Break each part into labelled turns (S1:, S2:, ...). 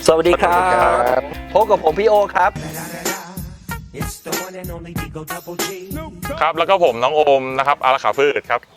S1: สวัสดีครับพบกับผมพี่โอครับ
S2: ครับแล้วก็ผมน้องโอมนะครับอาราขาฟืดครับ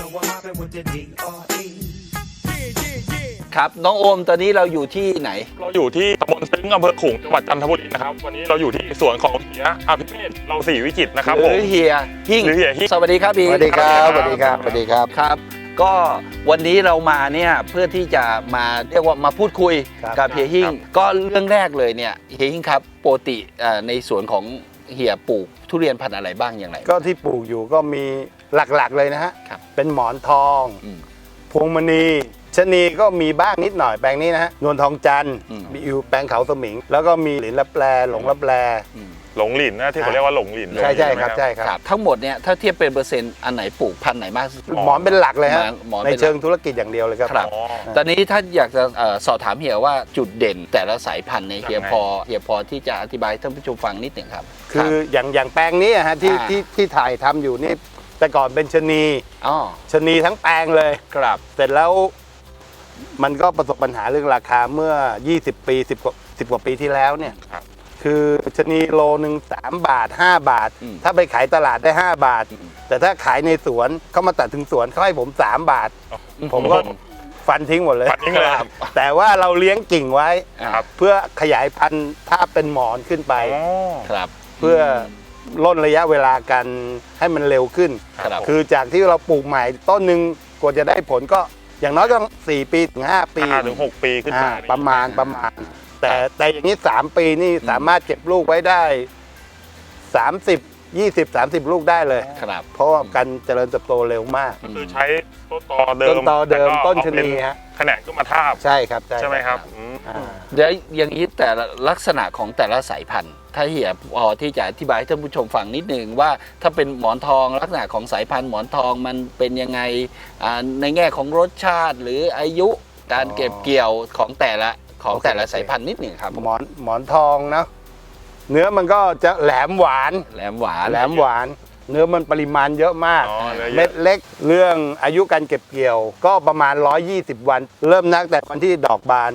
S1: ครับน้องโอมตอนนี้เราอยู่ที่ไหน
S2: เราอยู่ที่ตำบลซึ้งอำเภอขลุงจังหวัดจันทบุรีนะครับวันนี้เราอยู่ที่สวนของเฮียอภิเมธเราศรีวิจิตรนะครับผม
S1: หรือเฮียหิ่งสวัสดีครับพี่
S3: สวัสดีครับสวัสดีครับสวัสดีครับ
S1: ครับก็วันนี้เรามาเนี่ยเพื่อที่จะมาเรียกว่ามาพูดคุยกับเฮียหิ่งก็เรื่องแรกเลยเนี่ยเฮียหิ่งครับปกติในสวนของเฮียปลูกทุเรียนพันธุ์อะไรบ้างอย่างไร
S3: ก็ที่ปลูกอยู่ก็มีหลักๆเลยนะฮะเป็นหมอนทองพวงมณีชะนีก็มีบ้างนิดหน่อยแปลงนี้นะฮะนวลทองจันทร์มีอยู่แปลงเขาสมิงแล้วก็มีหลินลับแลหลงลับแล
S2: หลงหลินนะที่เขาเรียกว่าหลงหลิน
S3: ใช่ใช่ครับใช่ครับ
S1: ทั้งหมดเนี่ยถ้าเทียบเป็นเปอร์เซ็นต์อันไหนปลูกพันธุ์ไหนมาก
S3: หมอนเป็นหลักเลยฮะในเชิงธุรกิจอย่างเดียวเลยครับ
S1: ตอนนี้ถ้าอยากจะสอบถามเฮียว่าจุดเด่นแต่ละสายพันธุ์ในเฮียพอที่จะอธิบายท่านผู้ชมฟังนิดหนึ่งครับ
S3: คืออย่างแปลงนี้ฮะที่ถ่ายทำอยู่นี่แต่ก่อนเป็นชะนีทั้งแปลงเลย
S1: ครับ
S3: เสร็จแล้วมันก็ประสบปัญหาเรื่องราคาเมื่อ20ปี10กว่าปีที่แล้วเนี่ยคือชะนีโลนึง3 บาท5 บาทถ้าไปขายตลาดได้5 บาทแต่ถ้าขายในสวนเขามาตัดถึงสวนเขาให้ผม3 บาทผมก็ฟันทิ้งหมดเลยแต่ว่าเราเลี้ยงกิ่งไว้เพื่อขยายพันธุ์ถ้าเป็นหมอนขึ้นไปเพื่อล่นระยะเวลากันให้มันเร็วขึ้นคือจากที่เราปลูกใหม่ต้นหนึ่งกว่าจะได้ผลก็อย่างน้อยก็4 ปีถึง5 ปี
S2: ถึง6 ปีขึ้นมา
S3: ประมาณแต่อย่างนี้3 ปีนี่สามารถเก็บลูกไว้ได้30 ลูกได้เลยเพราะว่าการเจริญเติบโตเร็วมาก
S2: คือใช้ต้นตอเดิม
S3: ต้นชะนีฮะ
S2: แขนงก็มาทาบ
S3: ใช่ครับ
S2: ใช่ไหมครับ
S1: เดี๋ยวอย่างนี้แต่ลักษณะของแต่ละสายพันธุ์ถ้าเฮียพอที่จะอธิบายให้ท่านผู้ชมฟังนิดนึงว่าถ้าเป็นหมอนทองลักษณะของสายพันธุ์หมอนทองมันเป็นยังไงในแง่ของรสชาติหรืออายุการเก็บเกี่ยวของแต่ละสายพันธุ์นิดหนึ่งครับ
S3: หมอนทองนะเนื้อมันก็จะแหลมหวานเนื้อมันปริมาณเยอะมากเม็ดเล็กเรื่องอายุการเก็บเกี่ยวก็ประมาณ120 วันเริ่มนับแต่วันที่ดอกบาน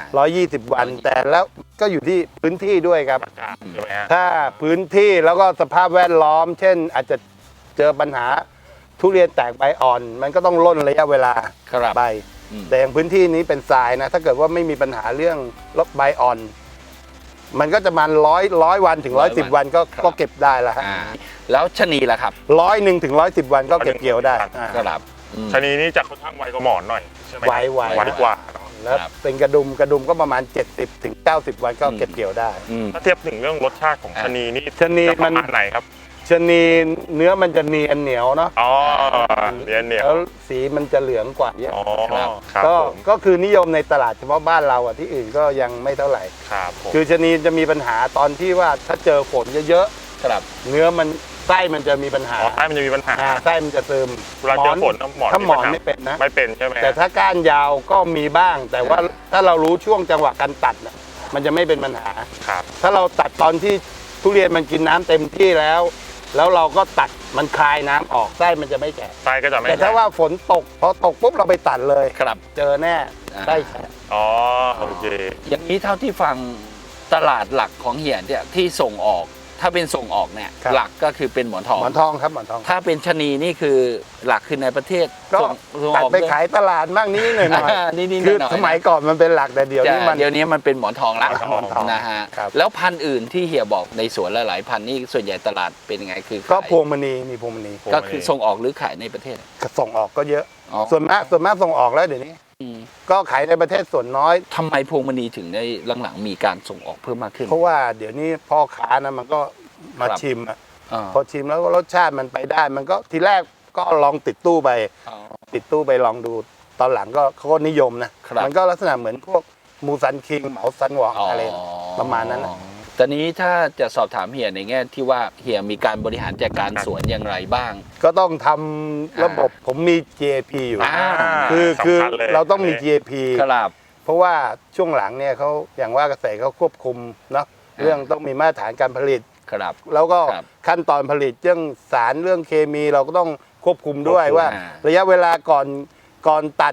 S3: 120 วันแต่แล้วก็อยู่ที่พื้นที่ด้วยครับถ้าพื้นที่แล้วก็สภาพแวดล้อมเช่นอาจจะเจอปัญหาทุเรียนแตกใบอ่อนมันก็ต้องล่นระยะเวลาไปแต่อย่างพื้นที่นี้เป็นทรายนะถ้าเกิดว่าไม่มีปัญหาเรื่องลบใบอ่อนมันก็จะมา100 วันถึง110 วันก็เก็บได้แล้วฮะ
S1: แล้วชะนีล่ะครับ
S3: 100 ถึง110 วันก็เก็บเกี่ยวได้
S1: ครับ
S2: ชะนีนี้จะค่อนข้างไวกว่าหมอนหน่อยใช่ไหม
S3: ไว
S2: กว่า
S3: แล้วเป็นกระดุมก็ประมาณ70 ถึง 90 วันก็เก็บเกี่ยวได้
S2: ถ้าเทียบถึงเรื่องรสชาติของชะนีนี่
S3: ชะนีมัน
S2: ไหนครับ
S3: ชะนีเนื้อมันจะเนียนเหนียวเนาะ
S2: เนียนเหนียว
S3: แล้วสีมันจะเหลืองกว่าเยอะก็คือนิยมในตลาดเฉพาะบ้านเราที่อื่นก็ยังไม่เท่าไหร่คือชะนีจะมีปัญหาตอนที่ว่าถ้าเจอฝนเยอะๆเนื้อมันไส้มันจะมีปัญหา
S2: ไส้มันจะมีปัญหา
S3: ไส้มันจะซึม
S2: เวลาเจอฝน
S3: ถ้าหมอนไม่เป็นนะ
S2: ไม่เป็นใช่ไหม
S3: แต่ถ้าก้านยาวก็มีบ้างแต่ว่าถ้าเรารู้ช่วงจังหวะการตัดมันจะไม่เป็นปัญหาถ้าเราตัดตอนที่ทุเรียนมันกินน้ำเต็มที่แล้วเราก็ตัดมันคายน้ำออกไส้มันจะไม่แฉะ
S2: ไส้ก็จะไม่
S3: แต่ถ้าว่าฝนตกพอตกปุ๊บเราไปตัดเลยเจอแน่ไส้แฉะ
S2: โอเค
S1: อย่างนี้เท่าที่ฟังตลาดหลักของเฮียเนี่ยที่ส่งออกถ้าเป็นส่งออกเนี่ยหลักก็คือเป็นหมอนทอง
S3: ครับหมอนทอง
S1: ถ้าเป็นชะนีนี่คือหลักคือในประเทศ
S3: ก็ตัดไปขายตลาดบ้างนิดหน่อยคือสมัยก่อนมันเป็นหลักแต่เดี๋ยว
S1: นี้มันเป็นหมอนทองละนะฮะแล้วพันธุ์อื่นที่เฮียบอกในสวนหลายๆพันธุ์นี่ส่วนใหญ่ตลาดเป็นยังไงคือ
S3: ก็พวงมณีมีพวงมณี
S1: ก็คือส่งออกหรือขายในประเทศ
S3: ส่งออกก็เยอะส่วนมากส่งออกแล้วเดี๋ยวนี้ก็ขายในประเทศส่วนน้อย
S1: ทำไมพวงมณีถึงได้หลังๆมีการส่งออกเพิ่มมากขึ้น
S3: เพราะว่าเดี๋ยวนี้พ่อค้านะมันก็มาชิมพอชิมแล้วรสชาติมันไปได้มันก็ทีแรกก็ลองติดตู้ไปลองดูตอนหลังก็เขาก็นิยมนะมันก็ลักษณะเหมือนพวกมูซันคิงเหมาซันหวองอะไรประมาณนั้นนะ
S1: ตอนนี้ถ้าจะสอบถามเฮียในแง่ที่ว่าเฮียมีการบริหารจัดการสวนอย่างไรบ้าง
S3: ก็ต้องทำระบบผมมี GAP อยู่คือเราต้องมี GAP เพราะว่าช่วงหลังเนี่ยเขาอย่างว่าเกษตรเขาควบคุมเนาะเรื่องต้องมีมาตรฐานการผลิตแล้วก็ขั้นตอนผลิตเรื่องสารเรื่องเคมีเราก็ต้องควบคุมด้วยว่าระยะเวลาก่อนตัด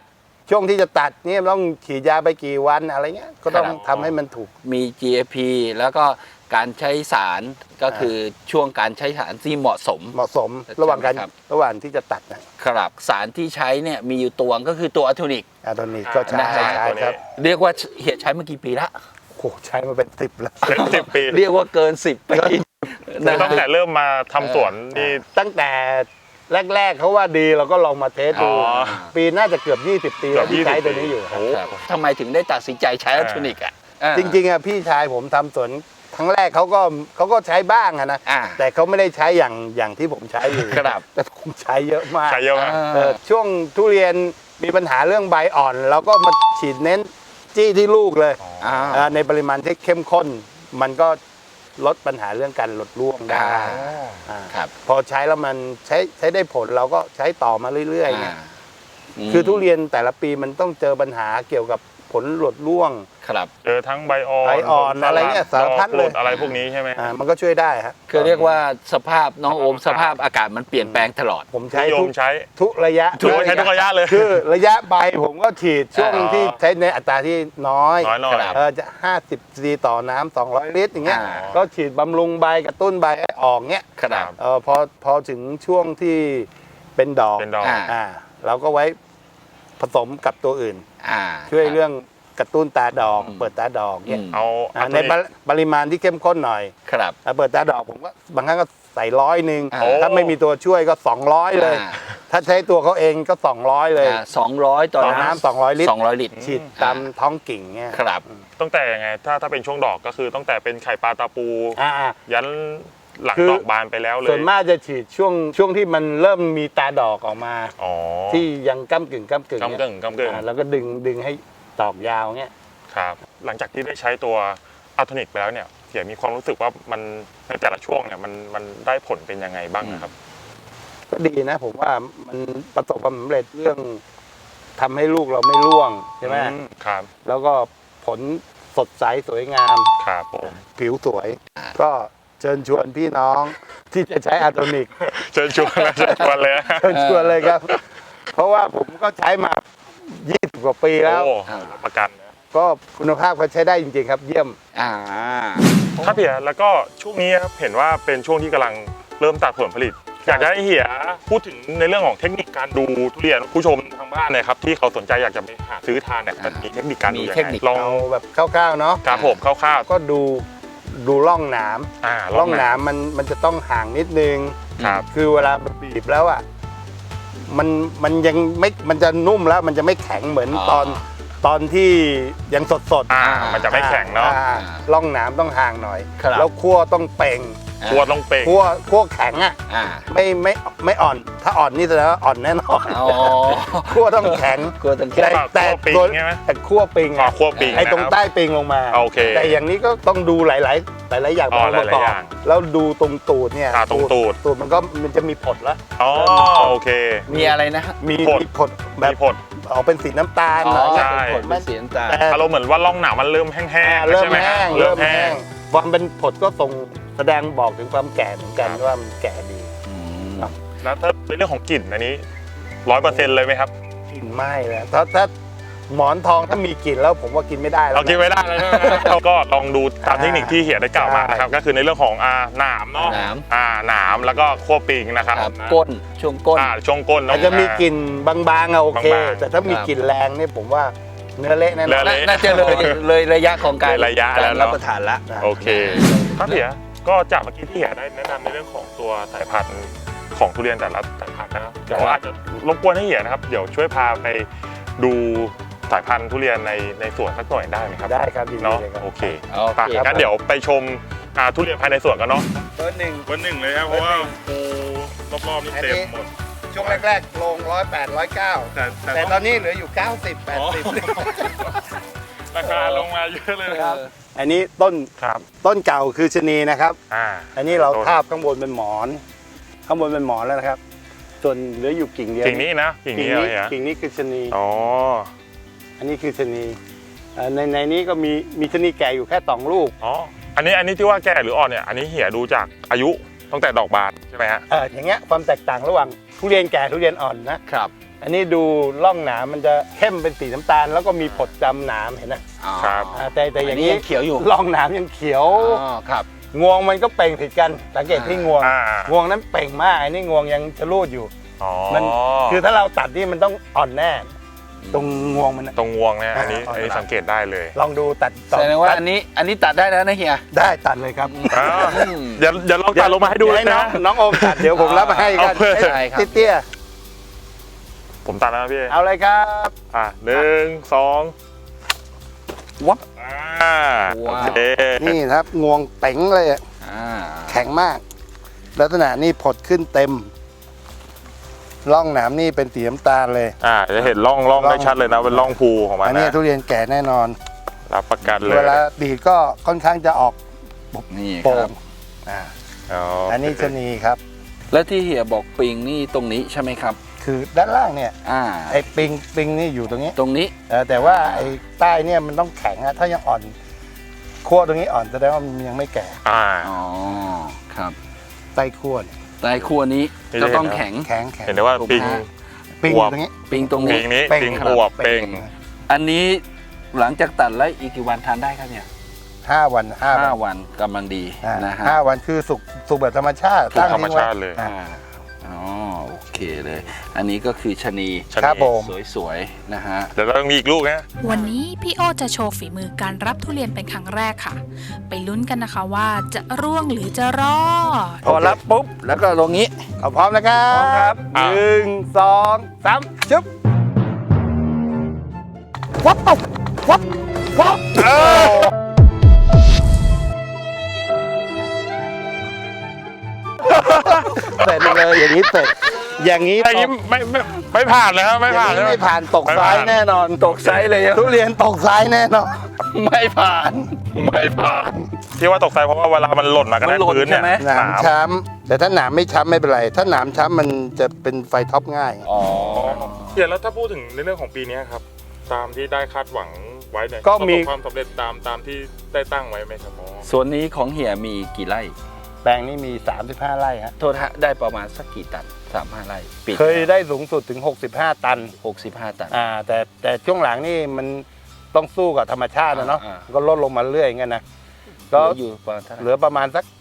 S3: ช่วงที่จะตัดเนี่ยต้องฉีดยาไปกี่วันอะไรเงี้ยก็ต้อง
S1: ครับ
S3: ทำให้มันถูก
S1: มี GAP แล้วก็การใช้สารก็คือช่วงการใช้สารที่เหมาะสม
S3: เหมาะสมระหว่างการ
S1: ใช่ไหมครับ
S3: ระหว่างที่จะตัดนะครับ
S1: สารที่ใช้เนี่ยมีอยู่ตัวก็คือตัวอะโทนิก
S3: อะตอนนี้ก็ใช้
S1: นะฮะ
S3: ใช้ครับ
S1: เรียกว่าเหียใช้มากี่ปีละ
S3: โอ้โหใช้มาเป็น10แล้ว
S2: เป็น10 ปี
S1: เรียกว่าเกิน 10 ปี
S2: คือตั้งแต่เริ่มมาทำสวนนี่
S3: ตั้งแต่แรกๆเขาว่าดีเราก็ลองมาเทสดู
S2: อ๋อ
S3: ปีน่าจะเกือบ20 ปีแล้วที่ใช้ตัวนี้อยู่ครับ
S1: ครับทำไมถึงได้ตัดสินใจใช้อะโทนิกอ่ะ
S3: จริงๆอ่ะพี่ชายผมทำสวนครั้งแรกเขาก็ใช้บ้างอะนะ
S1: อ่า
S3: แต่เขาไม่ได้ใช้อย่างที่ผมใช้อยู่
S1: ครับ
S3: แต่ผมใช้เยอะมาก
S2: ใช้เยอะมาก
S3: ช่วงทุเรียนมีปัญหาเรื่องใบอ่อนเราก็มาฉีดเน้นจี้ที่ลูกเลย ในปริมาณที่เข้มข้น มันก็ลดปัญหาเรื่องการหลดร่วงได้อ่า
S1: ครับ
S3: พอใช้แล้วมันใช้ได้ผลเราก็ใช้ต่อมาเรื่อยๆไง
S1: ม
S3: คือทุเรียนแต่ละปีมันต้องเจอปัญหาเกี่ยวกับผลหลดร่วง
S1: ครับ
S2: เจอทั้งใบอ่อน
S3: ใบอ่อนอะไรเงี้ยสารพัดเลย
S2: ดอกกรดอะไรพวกนี้ใช่ไหม
S3: มันก็ช่วยได้ฮะ
S1: คือเรียกว่าสภาพน้องโอมสภาพอากาศมันเปลี่ยนแปลงตลอด
S3: ผม
S2: นิ
S3: ใช้
S2: ย
S3: ทุ
S2: ม
S3: ก
S2: ใช้
S3: ทุกระยะ
S2: ถือว่าใช้ทุกระยะเลย
S3: คือระยะใบผมก็ฉีดช่วง
S1: อ๋อ
S3: ที่ใช้ในอัตราที่น้อย
S2: น้อยหน่อย
S1: ครับ
S3: จะ50 ซีต่อน้ำ200 ลิตรอย่างเงี้ย
S1: อ่า
S3: ก็ฉีดบำรุงใบกระตุ้นใบให้ออกเงี้ย
S1: ครับ
S3: พอถึงช่วงที่เป็นดอก
S2: เป็นดอก
S3: เราก็ไว้ผสมกับตัวอื่น ช่วยเรื่องกระตุ้นตาดอก เปิดตาดอกเนี่ย
S2: เอา
S3: ในปริมาณที่เข้มข้นหน่อย
S1: ครับ
S3: เปิดตาดอกผมก็บางครั้งก็ใส่100
S1: โอ้
S3: ถ้าไม่มีตัวช่วยก็200เลย ถ้าใช้ตัวเขาเองก็200เลย
S1: 200 ต่อ
S3: ต่อ
S1: น้ำ
S3: น้ำ200 ลิตร
S1: 200 ลิตร
S3: ฉีดตามท้องกิ่งเนี่ย
S1: ครับ
S2: ตั้งแต่ยังไงถ้าเป็นช่วงดอกก็คือตั้งแต่เป็นไข่ปลาตาปู
S3: อ่า
S2: ยันหลัง
S3: คือ
S2: ดอกบานไปแล้วเลย
S3: ส่วนมากจะฉีดช่วงที่มันเริ่มมีตาดอกออกมา
S2: อ๋อ
S3: ที่ยังก้ำกึ่ง
S2: กำกึ่งกำกึ่ง
S3: แล้วก็ดึงให้ดอกยาวเงี้ย
S2: ครับหลังจากที่ได้ใช้ตัวอัลโทนิกไปแล้วเนี่ยเสียมีความรู้สึกว่ามันในแต่ละช่วงเนี่ยมันได้ผลเป็นยังไงบ้างนะครับ
S3: ก็ดีนะผมว่ามันประสบความสำเร็จเรื่องทำให้ลูกเราไม่ร่วงใช่ไหม
S2: ครับ
S3: แล้วก็ผลสดใสสวยงาม
S2: ครับผม
S3: ผิวสวย ก็เชิญชวนพี่น้องที่จะใช้อะโทนิก
S2: เชิญชวนนะเชิญชวนเลย
S3: เชิญชวนเลยครับ เพราะว่าผมก็ใช้มา 20 กว่าปีแล้ว
S2: โอ้ประกันนะ
S3: ก็คุณภาพก็ใช้ได้จริงๆครับ เยี่ยม
S2: ครับเฮียแล้วก็ช่วงนี้ครับเห็นว่าเป็นช่วงที่กำลังเริ่มตัดผลผลิต อยากจะให้เฮียพูดถึงในเรื่องของเทคนิคการดูทุเรียนผู้ชมทางบ้านนะครับที่เขาสนใจอยากจะไปหาซื้อทานเนี่ยมันมีเทคนิคการดูยัง
S1: มีเทค
S2: ไง
S1: นิค
S2: ลอง
S3: เอาแบบคร่าวๆเนาะ
S2: ครับผมคร่าว
S3: ก็ดูร่องหนาม
S2: ๆ
S3: ร่องหนามมันจะต้องห่างนิดนึง
S2: ครับ
S3: คือเวลาบีบแล้วอ่ะมันยังไม่มันจะนุ่มแล้วมันจะไม่แข็งเหมือนตอนที่ยังสด
S2: มันจะไม่แข็งเนาะ
S3: ร่องหนามต้องห่างหน่อย
S1: ครับ
S3: แล้วคั่วต้องเป่ง
S2: ครัวต้องเป่ง
S3: คั่วแข็งอ่ะ
S1: อ่า
S3: ไม่อ่อน ถ้าอ่อนนี่แสดงว่าอ่อนแน่นอน
S1: อ๋อ
S3: คั่วต้องแข็ง
S1: กลัวตังแค่
S3: แต่
S2: คั่วปิง
S3: ตัว
S2: ใช่ไหม
S3: แต่คั่วปิง
S2: อ๋อ
S3: อะ
S2: คั่วปิง
S3: ไอ้ตรง
S2: นะครับ
S3: ใต้ปิงลงมา
S2: โอเค
S3: แต่อย่างนี้ก็ต้องดูหลายอย่าง
S2: อ๋อ
S3: ประกอบ
S2: หลายๆอย่าง
S3: แล้วดูตรงตูดเนี่ย
S2: ตรงตูด
S3: มันจะมีผดแล้ว
S2: อ๋อโอเค
S1: มีอะไรนะ
S3: มี
S2: ผด
S3: ผดแบ
S2: มี
S3: บ
S2: ผล
S3: ออกเป็นสีน้ำตาล
S1: อ๋
S3: หน่
S1: อ
S3: อย
S2: ใช่
S1: เป็นผลเป็นสีน้ำตาล
S3: แต่
S2: อารมณ์เหมือนว่าร่องหนามมันเริ่มแห้งๆ
S3: เริ่
S2: ใช่
S3: ม
S2: ไหม
S3: แห้ง
S2: เริ่
S3: เริ่
S2: ม
S3: ม
S2: แห้
S3: แห้
S2: ง
S3: งความเป็นผดก็ส่งแสดงบอกถึงความแก่เหมือนกัน
S2: ครับ
S3: ว่ามันแก่ดี
S2: แล้วถ้าในเรื่องของกลิ่นอันนี้100%เลยไหมครับ
S3: กลิ่นไหม้แล้วถ้าหมอนทองถ้ามีกลิ่นแล้วผมว่ากินไม่ได้แล้ว
S2: เรากินไม่ได้เลยใช่ไหมเราก็ลองดูตามเทคนิคที่เฮียได้กล่าวมานะครับ
S3: ใช่
S2: ก็คือในเรื่องของหนามเนาะ
S1: หนาม
S2: หนามแล้วก็คั่วปิงนะครับ
S1: ครับก้นช่วงก้น
S2: ช่วงก้นเน
S3: อาจจะมีกลิ่นบางๆอะโอเค
S2: บางๆ
S3: แต่ถ้ามีกลิ่นแรงเนี่ยผมว่าเนื้อเละแน่น
S2: เนื้
S3: อ
S2: อน เละ
S1: น่าจะเลยระยะของการ
S2: เลยระยะ
S1: การ
S2: แล้วเนอะ
S1: รับประทานละ
S2: โอเคครับเฮียก็จากเมื่อกี้ที่เฮียได้แนะนำในเรื่องของตัวสายพันธุ์ของทุเรียนแต่ละสายพันธุ์นะครับเดี๋ยวอาจจะรบกวนให้เฮียนะครับเดี๋ยวช่วยพาไปดูสายพันธุ์ทุเรียนในสวนสักหน่อยได้ไหมครับ
S3: ได้ครับยินดี
S2: เนาะ
S3: เลยครับ
S2: โอเค
S1: โอเค
S2: ไปงั้นเดี๋ยวไปชมทุเรียนภายในสวนกันเนาะ
S3: เบอร์หนึ่ง
S2: เบอร์หนึ่งเลยครับเพราะว่าปูรอบๆนี่เต็มหมด
S3: ช่วงแรกๆลง108 109แต่ตอนนี้เหลืออยู่ 90 80
S2: ราคาลงมาเยอะเลยนะครับ
S3: อันนี้ต้น
S2: ครับ
S3: ต้นเก่าคือชะนีนะครับ อันนี้เรา
S2: ต้น
S3: ทาบข้างบนเป็นหมอน ข้างบนเป็นหมอนแล้วนะครับ ส่วนเหลืออยู่กิ่งเดียว
S2: กิ่งนี้นะกิ่งนี้อะไรฮะ
S3: กิ่งนี้คือชะนี
S2: อ๋อ
S3: อันนี้คือชะนีในนี้ก็มีชะนีแก่อยู่แค่2 ลูก
S2: อ๋ออันนี้ที่ว่าแก่หรืออ่อนเนี่ยอันนี้เหี่ยดูจากอายุตั้งแต่ดอกบานใช่ไหมฮะ
S3: อย่างเงี้ยความแตกต่างระหว่างทุเรียนแก่ทุเรียนอ่อนนะครับ อันนี้ดูร่องหนามมันจะเข้มเป็นสีน้ำตาลแล้วก็มีผดจำหนามเห็นนะครับ แต่อย่างนี้
S1: เขียวอยู่
S3: ร่องหนามยังเขียว
S1: อ๋อครับ
S3: งวงมันก็เป่งผิดกันสังเกตที่งวง
S2: อ่าง
S3: วงนั้นเป่งมากอันนี้งวงยังชะลูดอยู่
S2: อ๋อ
S3: มันคือถ้าเราตัดนี่มันต้องอ่อนแน่ ตรงงวงมันน่ะ
S2: ตรงงวงเนี่ยอันนี้
S3: อ่า
S2: อันนี้สังเกตได้เลย
S3: ลองดูตัด
S1: แสดงว่าอันนี้ตัดได้แล้วนะเฮีย
S3: ได้ตัดเลยครับ
S2: อ้าวเดี๋ยวลองตัดลงมาให้ดูเลย
S3: น้อ
S2: นะ
S3: งน้องโอมตัดเดี๋ยวผมรับมาให้กัน
S2: เอาเลย
S1: ได้ครับ
S3: เตี้ย
S2: ผมตัดแล้วนะพี่
S3: ๆเอาเลยครับ
S2: 1 2
S1: วับ
S2: อ่า
S1: ว้าว
S2: โอเค
S3: นี่ครับงวงเป๋งเลยอะ
S1: อ่า
S3: แข็งมาก ลักษณะนี่ผดขึ้นเต็มร่องหนามนี่เป็นสีน้ำตาลเลย
S2: จะเห็นร่องได้ชัดเลยนะเป็นร่องภูของมัน
S3: อันนี้
S2: นะ
S3: ทุเรียนแก่แน่นอน
S2: รับประกันเลย
S3: เวลาดีดก็ค่อนข้างจะออก
S1: นี่ค
S3: โป่
S1: รับ
S3: งอ่า
S2: อ๋อ
S3: อันนี้ชะนีครับ
S1: แล้วที่เฮียบอกปิงนี่ตรงนี้ใช่ไหมครับ
S3: คือด้านล่างเนี่ย
S1: อ่า
S3: ไอ้ปิงนี่อยู่ตรงนี้
S1: ตรงนี้
S3: แต่ว่าไอ้ใต้เนี่ยมันต้องแข็งอะถ้ายังอ่อนขั้วตรงนี้อ่อนแสดงว่ามันยังไม่แก่
S2: อ่า
S1: อ๋อครับ
S3: ใต้ขั้วเนี่ย
S1: ใต้ครัวนี้
S2: นี่
S1: จะ
S2: จะเห็น
S1: ต้องแข็ง
S3: แข็ง
S2: เห็นได้ว่าปิง
S3: ปิง
S2: อ
S3: อ
S2: วบ
S3: ยู่ตรงนี้
S1: ปิงตรง
S2: ปิ
S1: นี้
S2: งนี้
S3: เป่ง
S2: ปิง
S3: ครับ
S2: อวบเป่ง
S1: อันนี้หลังจากตัดแล้วอีกกี่วันทานได้ครับเนี่ย
S3: 5 วัน
S1: 5 วันกำลังดีนะฮะ
S3: 5 วันคือสุกแบบธรรมชาติ
S2: ธรรม
S3: ทิ้งไว้
S2: ชาติเลย
S3: อ่า
S1: อ๋อโอเคเลย อันนี้ก็คือชะนี
S2: ชะนี
S3: ครับผม
S1: สวยๆนะฮะ
S2: เดี๋ยวเรามีอีกลูกนะ
S4: วันนี้พี่โอจะโชว์ฝีมือการรับทุเรียนเป็นครั้งแรกค่ะ ไปลุ้นกันนะคะว่าจะร่วงหรือจะรอด
S1: พอรับปุ๊บแล้วก็ลงนี้
S3: เอาพร้อมนะครับ
S1: พร้อมครับ
S2: อ่า
S3: 1 2 3ชึบวับปุ๊บวับวับเสร็จเลยอย่างนี้เสร็จอย่างนี้
S2: อย่างนี้ไม่ผ่านเลยครับไม่
S3: อย่า
S2: ผ่าง น
S3: นี้
S2: เลย
S3: ไม่ผ่านตกซ้ายแน่นอน
S1: ตกไซส์เลยอะ
S3: ทุเรียนตกซ้ายแน่นอน
S1: ไม่ผ่านไม่ผ่าน
S2: ที่ว่าตกใจเพราะว่าเวลามันหล่นมากัน
S1: มันหล่น
S2: พื้นเนี่ย
S1: ใช่ไหม
S3: หนามช้ำแต่ถ้าหนามไม่ช้ำไม่เป็นไร ถ้าหนามช้ำมันจะเป็นไฟท็อปง่าย
S1: อ๋อ
S2: เดี๋ยวแล้วถ้าพูดถึงในเรื่องของปีนี้ครับ ตามที่ได้คาดหวังไว้เนี่ย
S3: ก็มี
S2: ประสบความสำเร็จตามที่ได้ตั้งไว้ไหมครับหมอ
S1: ส่วนนี้ของเฮียมีกี่ไร่
S3: แปลงนี้มี 35 ไร่ฮะ
S1: โทษฮะได้ประมาณสักกี่ตัน35 ไร่ปี
S3: เคยได้สูงสุดถึง 65 ตัน
S1: 65 ตัน
S3: แต่ช่วงหลังนี่มันต้องสู้กับธรรมชาตินะเนาะ
S1: อ่า
S3: ก็ลดลงมาเรื่อยอย่างเงี้ยนะ
S1: ก็
S3: ก็
S1: อยู่ประมาณเท่าไห
S3: เห
S1: ร่
S3: ลือประมาณสัก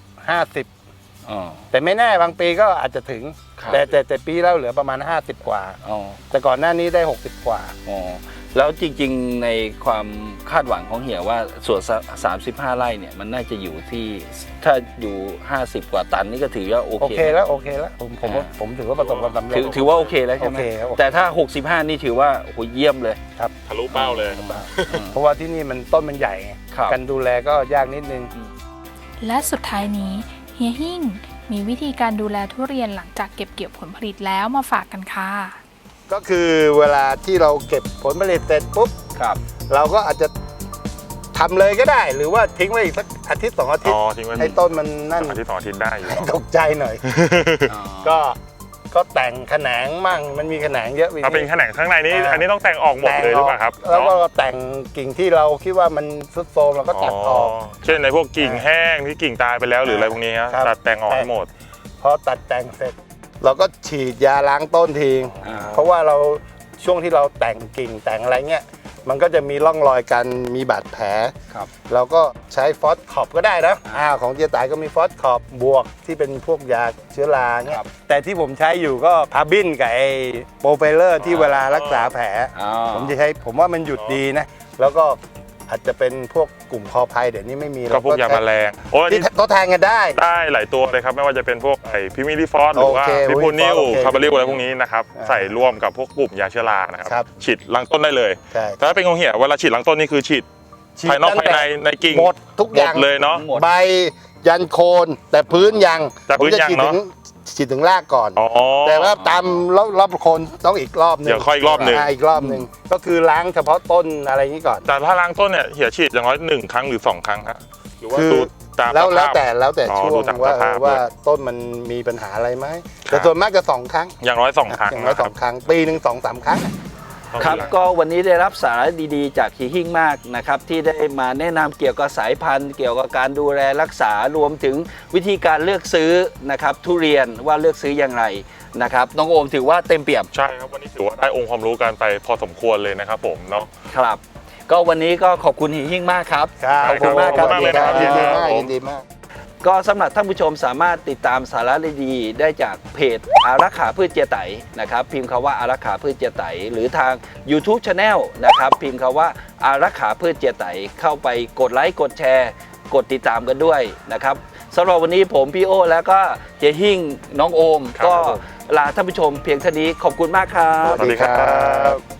S3: 50
S1: อ๋อ
S3: แต่ไม่แน่บางปีก็อาจจะถึง
S1: ครับ
S3: แต่ปีแล้วเหลือประมาณ 50 กว่า
S1: อ๋อ
S3: แต่ก่อนหน้านี้ได้ 60 กว่า
S1: อ๋อแล้วจริงๆในความคาดหวังของเหียว่าส่วน35 ไร่เนี่ยมันน่าจะอยู่ที่ถ้าอยู่ 50 กว่าตันนี่ก็ถือว่าโอ
S3: โอ
S1: เค
S3: เคแล้วโอเคแล้วผมถือว่าประสบความสำเร็จ
S1: ถือว่าโอเคแล้วใช่ไหม
S3: โอเคครับ
S1: แต่ถ้า 65 นี่ถือว่าโอ้โหเยี่ยมเลย
S2: ทะลุเป้าเลย
S3: เพราะว่าที่นี่มันต้นมันใหญ่ไง
S1: ครับ
S3: การดูแลก็ยากนิดนึง
S4: และสุดท้ายนี้เฮียหิ่งมีวิธีการดูแลทุเรียนหลังจากเก็บเกี่ยวผลผลิตแล้วมาฝากกันค่ะ
S3: ก็คือเวลาที่เราเก็บผลผลิตเสร็จปุ๊บ
S1: ครับ
S3: เราก็อาจจะทำเลยก็ได้ หรือว่าทิ้งไว้อีกสักอาทิตย์2 อาทิต
S2: อ๋
S3: ย์
S2: อทิ้งไว้
S3: ให้ต้นมันนั่น
S2: อาทิตย์2 อาทิตย์ได้อยู่
S3: ตกใจหน่อย ก็แต่งแขนงมั่งมันมีแขนงเยอะ
S2: ถ้าเป็นแขนงข้างในนี้
S3: อ่า
S2: อันนี้ต้องแต่งออกหมดเลยหรือเปล่าครับ
S3: แล้วก็แต่งกิ่งที่เราคิดว่ามันทรุดโทรมเราก็ตัดออก
S2: เช่นในพวกกิ่งแห้งที่กิ่งตายไปแล้วหรืออะไรพวกนี้ฮะ
S3: ครับ
S2: ตัดแต่งออกให้หมด
S3: พอตัดแต่งเสร็จ เราก็ฉีดยาล้างต้นทิ้ง
S1: อ่า
S3: เพราะว่าเราช่วงที่เราแต่งกิ่งแต่งอะไรเงี้ยมันก็จะมีร่องรอยกันมีบาดแผล
S1: ครับ
S3: เราก็ใช้ฟอสขอบก็ได้นะของเจียตายก็มีฟอสขอบบวกที่เป็นพวกยาเชื้อราเงี้ยแต่ที่ผมใช้อยู่ก็พาบินกับไอ้โปรไฟเลอร์ที่เวลารักษาแผล
S1: อ๋อ
S3: ผมจะใช้ผมว่ามันหยุดดีนะ แล้วก็อาจจะเป็นพวกกลุ่มคอภัยเดี๋ยวนี้ไม่มี
S2: ก็พวกยาแมลงโอ้ย
S3: ที่ทดแทนกันได้
S2: ได้หลายตัวเลยครับไม่ว่าจะเป็นพวกไอ้พิมิลิฟอสหรือว่า
S3: โอเค
S2: พิพูนิล
S3: โอเค
S2: คาร์บาริลอะไรพวกนี้นะครับ
S3: อ่า
S2: ใส่ร่วมกับพวกกลุ่มยาเชื้อรานะค
S3: ครั
S2: รับ ฉีดลังต้นได้เลย
S3: ใช่
S2: แต่ถ้าเป็นของเหี่ยเวลาฉีดลังต้นนี่คือฉีดภายนอกภายในในกิ่ง
S3: หมดทุก
S2: ห
S3: อ
S2: มด
S3: ย่าง
S2: เลยเนาะ
S1: หมด
S3: ใบยันโคนแต่พื้นยัง
S2: แต่พื้นยัง
S3: ผมจะ
S2: เนอะ
S3: ฉีดถึงรากก่อน
S2: อ๋อ
S3: แต่ว่าตามรอบโคนต้องอีกรอบนึง
S2: เดี๋ยวค่อยอีกรอบหนึ่ง
S3: อีกรอบหนึ่งก็คือล้างเฉพาะต้นอะไรอย่างนี้ก่อน
S2: แต่ถ้าล้างต้นเนี่ยเหี่ยฉีดอย่างน้อย1 ครั้งหรือ 2 ครั้งฮะหรือว่า
S3: คือ
S2: ดูตาม
S3: แล้ว
S2: สภาพ
S3: แต่
S2: อ๋อ
S3: ช่ว
S2: ดู
S3: ง
S2: ตาม
S3: ว่า
S2: สภาพ
S3: ว่า
S2: ด้วย
S3: ต้นมันมีปัญหาอะไรไหม
S2: ครับ
S3: แต่ส่วนมากจะ2 ครั้ง
S2: อย่างน้อย2 ครั้ง
S3: อย่างน้อย
S2: นะครับ
S3: 2 ครั้งปีหนึ่ง2-3 ครั้ง
S1: ครับก็วันนี้ได้รับสาระดีๆจากเฮียหิ่งมากนะครับที่ได้มาแนะนำเกี่ยวกับสายพันธุ์เกี่ยวกับการดูแลรักษารวมถึงวิธีการเลือกซื้อนะครับทุเรียนว่าเลือกซื้ออย่างไรนะครับน้องโอมถือว่าเต็มเปี่ยม
S2: ใช่ครับวันนี้ถือว่าได้องค์ความรู้กันไปพอสมควรเลยนะครับผมเนาะ
S1: ครับก็วันนี้ก็ขอบคุณเฮียหิ่งมากครับ
S3: ครับ
S1: ขอบคุณมากครับ
S2: ขอบคุณมากเลยนะครับ
S3: ยินดีมาก
S2: ผม
S3: ยินดีมาก
S1: ก็สำหรับท่านผู้ชมสามารถติดตามสาระดีๆได้จากเพจอารักขาพืชเจียไตนะครับพิมพ์คำว่าอารักขาพืชเจียไตหรือทาง YouTube Channel นะครับพิมพ์คำว่าอารักขาพืชเจียไตเข้าไปกดไลค์กดแชร์กดติดตามกันด้วยนะครับสำหรับวันนี้ผมพี่โอแล้วก็เฮียหิ่งน้องโอม
S2: ครับ
S1: ก็
S2: ผม
S1: ลาท่านผู้ชมเพียงเท่านี้ขอบคุณมากครับ
S2: สวัสดีครับ